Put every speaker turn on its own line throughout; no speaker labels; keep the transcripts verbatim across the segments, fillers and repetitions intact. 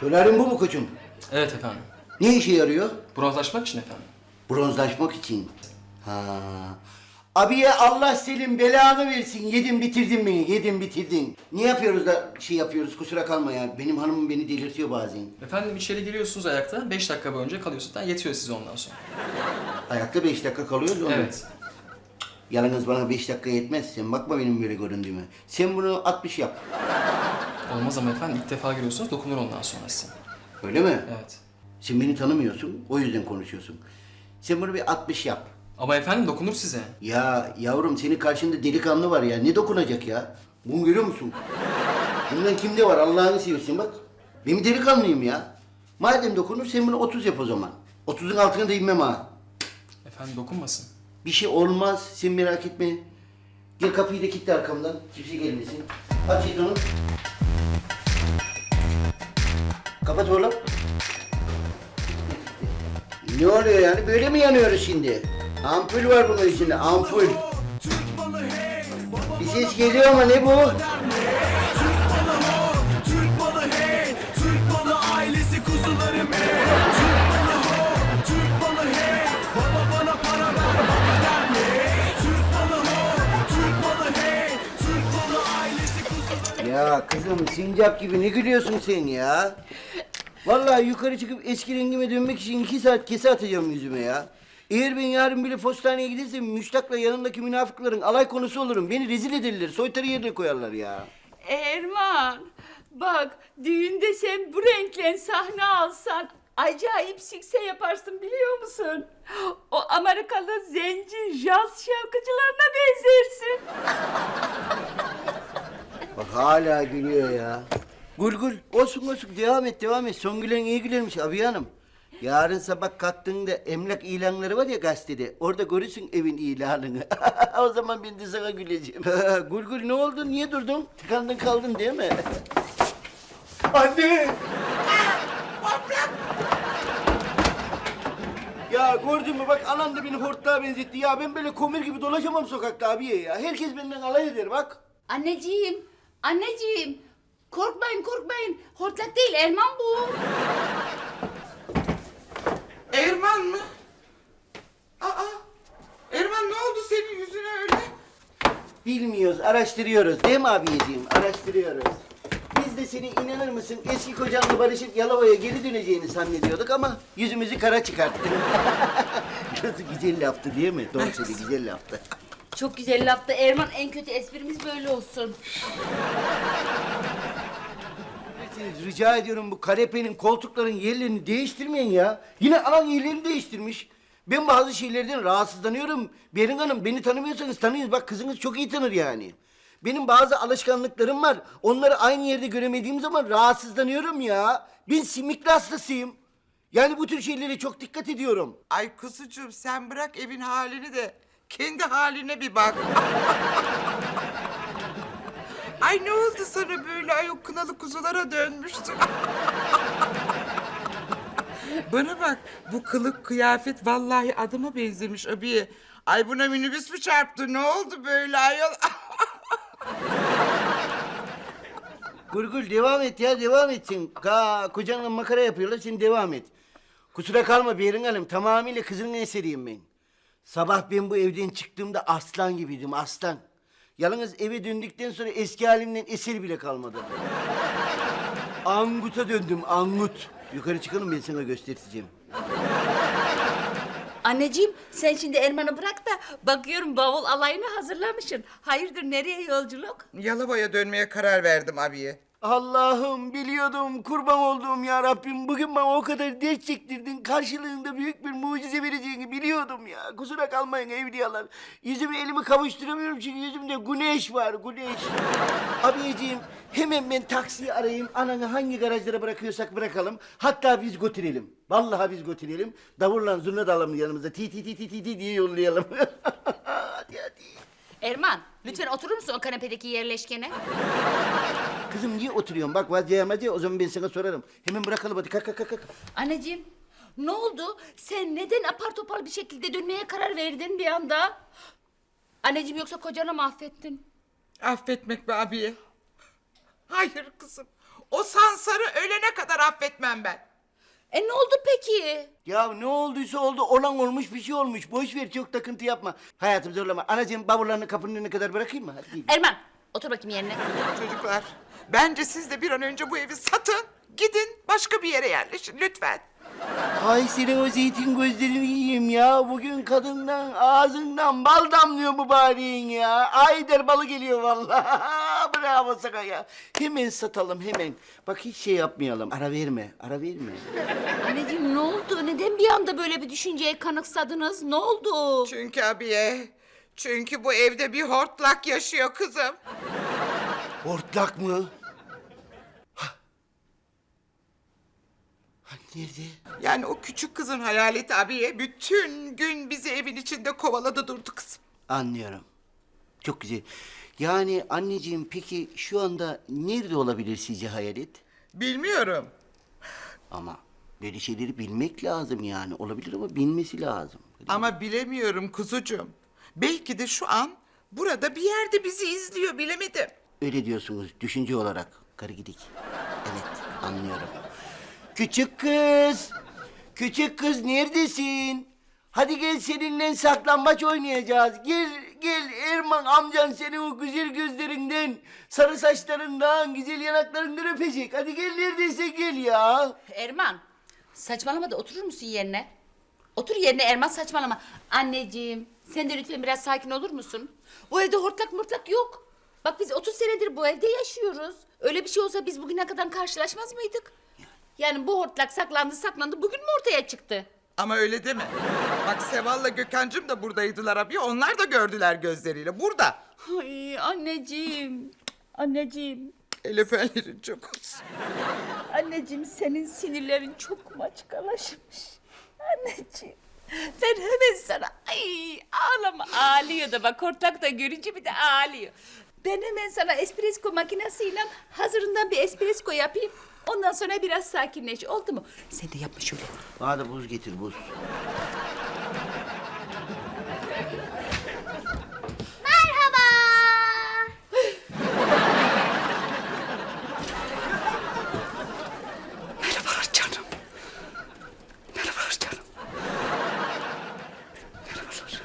Solaryum bu mu koçum?
Evet efendim.
Ne işe yarıyor?
Bronzlaşmak için efendim.
Bronzlaşmak için. Ha. Abiye Allah senin belanı versin. Yedin bitirdin beni, yedin bitirdin. Ne yapıyoruz da şey yapıyoruz, kusura kalma ya. Benim hanımım beni delirtiyor bazen.
Efendim içeri giriyorsunuz ayakta. Beş dakika boyunca kalıyorsunuz. Yani yetiyor size ondan sonra.
Ayakta beş dakika kalıyoruz onu.
Evet.
Yalnız bana beş dakika yetmez. Sen bakma benim böyle göründüğüme. Sen bunu altmış yap.
Olmaz ama efendim ilk defa giriyorsunuz. Dokunur ondan sonra size.
Öyle mi?
Evet.
Sen beni tanımıyorsun, o yüzden konuşuyorsun. Sen bunu bir altmış yap.
Ama efendim dokunur size.
Ya yavrum senin karşında delikanlı var ya. Ne dokunacak ya? Bunu görüyor musun? Bundan kimde var Allah'ını seversen bak. Benim delikanlıyım ya. Madem dokunur sen bunu otuz yap o zaman. otuzun altına da inmem ha.
Efendim dokunmasın.
Bir şey olmaz sen merak etme. Gel kapıyı da kilitle arkamdan. Kimse gelmesin. Aç onu. Kapat oğlum. Ne oluyor yani? Böyle mi yanıyoruz şimdi? Ampul var bunun içinde, ampul. Bir ses geliyor ama ne bu?
Türk balı hey, Türk balı ailesi kuzularım hey. Türk balı ho, Türk balı hey, baba bana para ver, baba der mi? Türk balı ho, Türk balı hey, Türk balı ailesi kuzularım.
Ya kızım sincap gibi ne gülüyorsun sen ya? Vallahi yukarı çıkıp eski rengime dönmek için iki saat kese atacağım yüzüme ya. Eğer ben yarın bile postaneye gidersem Müştak'la yanındaki münafıkların alay konusu olurum. Beni rezil ederler, soytarı yerine koyarlar ya.
Erman, bak düğünde sen bu renkle sahne alsan acayip sükse yaparsın biliyor musun? O Amerikalı zenci jazz şarkıcılarına benzersin.
Bak hala gülüyor ya. Gül gül, olsun olsun devam et devam et. Son gülen iyi gülermiş abi hanım. Yarın sabah kalktığında emlak ilanları var ya gazetede. Orada görürsün evin ilanını. O zaman ben de sana güleceğim. Gül gül ne oldu? Niye durdun? Tıkandın kaldın değil mi? Anne! Ya gördün mü bak anan da beni hortlağa benzetti. Ya ben böyle komir gibi dolaşamam sokakta abiye ya. Herkes benden alay eder bak.
Anneciğim, anneciğim korkmayın korkmayın. Hortlak değil Erman bu.
Erman mı? Aa, Erman ne oldu senin yüzüne öyle?
Bilmiyoruz, araştırıyoruz değil mi abiyeciğim? Araştırıyoruz. Biz de seni inanır mısın eski kocanla barışıp Yalova'ya geri döneceğini zannediyorduk ama yüzümüzü kara çıkarttın. Nasıl güzel laftı değil mi? Doğru söyle güzel laftı.
Çok güzel laftı Erman, en kötü esprimiz böyle olsun.
Rica ediyorum bu kanepenin, koltukların yerlerini değiştirmeyin ya. Yine alan yerlerini değiştirmiş. Ben bazı şeylerden rahatsızlanıyorum. Berin Hanım beni tanımıyorsanız tanıyın. Bak kızınız çok iyi tanır yani. Benim bazı alışkanlıklarım var. Onları aynı yerde göremediğim zaman rahatsızlanıyorum ya. Ben simikli hastasıyım. Yani bu tür şeylere çok dikkat ediyorum.
Ay kuzucuğum sen bırak evin halini de kendi haline bir bak. Ay ne oldu sana böyle ay o kınalı kuzulara dönmüştün. Bana bak bu kılık kıyafet vallahi adıma benzemiş abiye. Ay buna minibüs mü çarptı ne oldu böyle ayol?
Gurgul devam et ya devam etsin. Ka kocanla makara yapıyorlar sen devam et. Kusura kalma Berin Hanım tamamıyla kızının eseriyim ben. Sabah ben bu evden çıktığımda aslan gibiydim aslan. Yalnız eve döndükten sonra eski halimden eser bile kalmadı. Angut'a döndüm angut. Yukarı çıkalım ben sana göstereceğim.
Anneciğim sen şimdi Erman'ı bırak da bakıyorum bavul alayını hazırlamışsın. Hayırdır nereye yolculuk?
Yalova'ya dönmeye karar verdim abiye.
Allah'ım biliyordum kurban olduğum ya Rabbim. Bugün bana o kadar ders çektirdin. Karşılığında büyük bir mucize vereceğini biliyordum ya. Kusura kalmayın evliyalar. Yüzümü elimi kavuşturamıyorum çünkü yüzümde güneş var güneş. Abiciğim hemen ben taksiyi arayayım. Ananı hangi garajlara bırakıyorsak bırakalım. Hatta biz götürelim. Vallahi biz götürelim. Davulla zurna da alalım yanımıza. Ti ti ti ti ti ti diye yollayalım. Hadi hadi.
Erman lütfen oturur musun o kanepedeki yerleşkene?
Kızım niye oturuyorsun? Bak vazgeçemez ya o zaman ben sana sorarım. Hemen bırakalım hadi kalk kalk kalk. kalk.
Anneciğim ne oldu? Sen neden apar topar bir şekilde dönmeye karar verdin bir anda? Anneciğim yoksa kocanı mı affettin?
Affetmek be abiye. Hayır kızım. O Sansar'ı ölene kadar affetmem ben.
E ne oldu peki?
Ya ne olduysa oldu. Olan olmuş, bir şey olmuş. Boş ver, çok takıntı yapma. Hayatım zorlama. Anacığım bavullarını kapının önüne kadar bırakayım mı? Hadi gidelim.
Erman otur bakayım yerine.
Çocuklar, bence siz de bir an önce bu evi satın. Gidin başka bir yere yerleşin lütfen.
Ay senin o zeytin gözlerini yiyeyim ya. Bugün kadından ağzından bal damlıyor mübareğin ya. Ayder balı geliyor vallahi. Bravo sana ya. Hemen satalım hemen. Bak hiç şey yapmayalım. Ara verme, ara verme.
Anneciğim ne oldu? Neden bir anda böyle bir düşünceye kanıksadınız? Ne oldu?
Çünkü abiye, çünkü bu evde bir hortlak yaşıyor kızım.
Hortlak mı? Ha. Ha, nerede?
Yani o küçük kızın hayaleti abiye bütün gün bizi evin içinde kovaladı durdu kızım.
Anlıyorum. Çok güzel. Yani anneciğim peki şu anda nerede olabilir sizce hayalet?
Bilmiyorum.
Ama böyle şeyleri bilmek lazım yani. Olabilir ama bilmesi lazım.
Ama bilemiyorum kuzucuğum. Belki de şu an burada bir yerde bizi izliyor, bilemedim.
Öyle diyorsunuz düşünce olarak. Karı gidik. Evet anlıyorum. Küçük kız. Küçük kız neredesin? Hadi gel seninle saklambaç oynayacağız. Gel gel Erman amcan seni o güzel gözlerinden, sarı saçlarından, güzel yanaklarından öpecek. Hadi gel neredeyse gel ya.
Erman saçmalama da oturur musun yerine? Otur yerine Erman, saçmalama. Anneciğim sen de lütfen biraz sakin olur musun? Bu evde hortlak mırtlak yok. Bak biz otuz senedir bu evde yaşıyoruz. Öyle bir şey olsa biz bugüne kadar karşılaşmaz mıydık? Yani bu hortlak saklandı saklandı bugün mü ortaya çıktı?
Ama öyle deme. Bak Seval'la Gökhan'cığım da buradaydılar abi. Onlar da gördüler gözleriyle. Burada.
Ay anneciğim, anneciğim,
El öpenlerin çok olsun.
anneciğim senin sinirlerin çok maçkalaşmış. Anneciğim, ben hemen sana ay ağlama ağlıyor da bak hortlak da görünce bir de ağlıyor. Ben hemen sana espresso makinesiyle hazırından bir espresso yapayım. Ondan sonra biraz sakinleş, oldu mu? Sen de yapma şöyle.
Bana da buz getir buz.
Merhaba.
Merhabalar canım. Merhabalar canım. Merhabalar.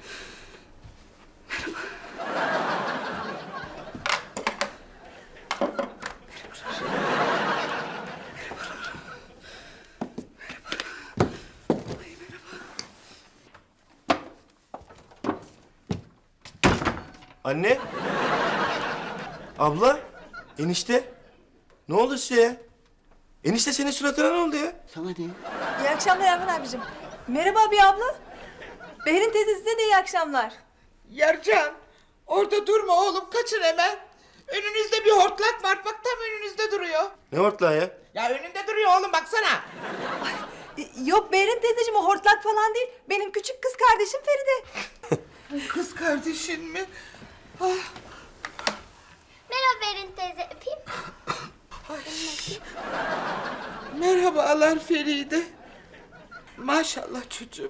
Anne? Abla? Enişte? Ne oldu size ya? Enişte senin suratına ne oldu ya?
Sana ne?
İyi akşamlar Erman abicim. Merhaba abi abla. Berin teyze size de iyi akşamlar.
Yarcan, orada durma oğlum. Kaçın hemen. Önünüzde bir hortlak var. Bak tam önünüzde duruyor.
Ne hortlağı ya?
Ya önünde duruyor oğlum baksana.
E, Yok Berin teyzeciğim o hortlak falan değil. Benim küçük kız kardeşim Feride.
Kız kardeşin mi?
Merhaba Berin teyze, öpeyim.
Merhabalar Feride. Maşallah çocuğum.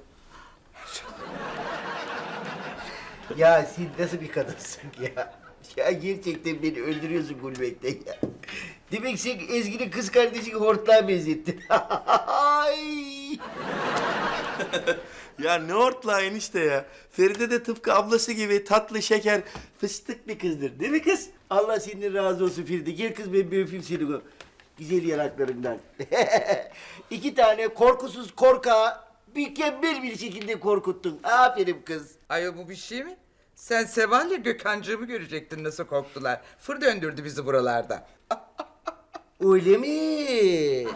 Ya sen nasıl bir kadınsın ya? Ya gerçekten beni öldürüyorsun gülmekten ya. Demek sen Ezgi'nin kız kardeşini hortlağa benzettin. Ay!
Ya ne hortlağı enişte ya? Feride de tıpkı ablası gibi tatlı, şeker, fıstık bir kızdır. Değil mi kız?
Allah senden razı olsun Feride. Gel kız ben bir öpeyim seni o güzel yanaklarından. İki tane korkusuz korkağı mükemmel bir şekilde korkuttun. Aferin kız.
Ay bu bir şey mi? Sen Seval'le Gökhan'cığımı görecektin nasıl korktular. Fır döndürdü bizi buralarda.
Öyle mi?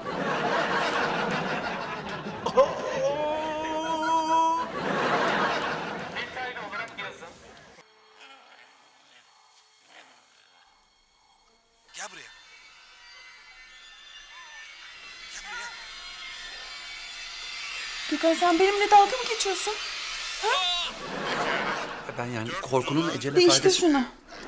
Gel buraya. Gel buraya.
Gökhan sen benimle dalga mı geçiyorsun?
Ben yani korkunun ecele
Değiştir
faydası...
şunu.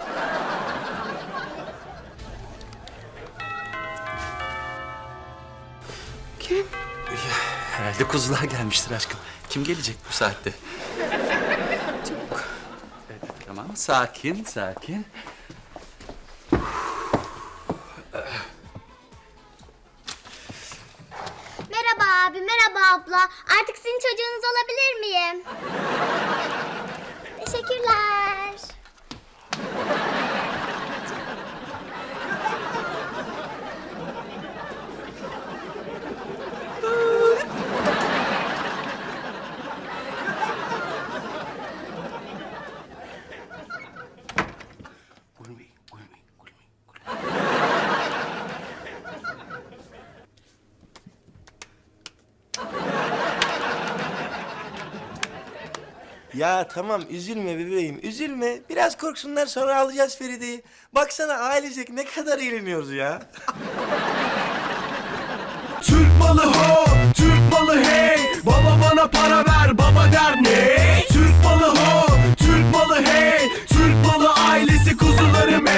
Kim?
Herhalde kuzular gelmiştir aşkım. Kim gelecek bu saatte?
Çabuk.
Evet, tamam. Sakin, sakin.
abla. Artık sizin çocuğunuz olabilir miyim? Teşekkürler.
Gülmeyin, gülmeyin, gülmeyin.
Ya tamam üzülme bebeğim üzülme. Biraz korksunlar sonra alacağız Feride'yi. Baksana ailecek ne kadar eğleniyoruz ya.
Türk malı ho, Türk malı hey. Baba bana para ver, baba der ne? Türk malı ho, Türk malı hey. Türk malı ailesi kuzularım hey.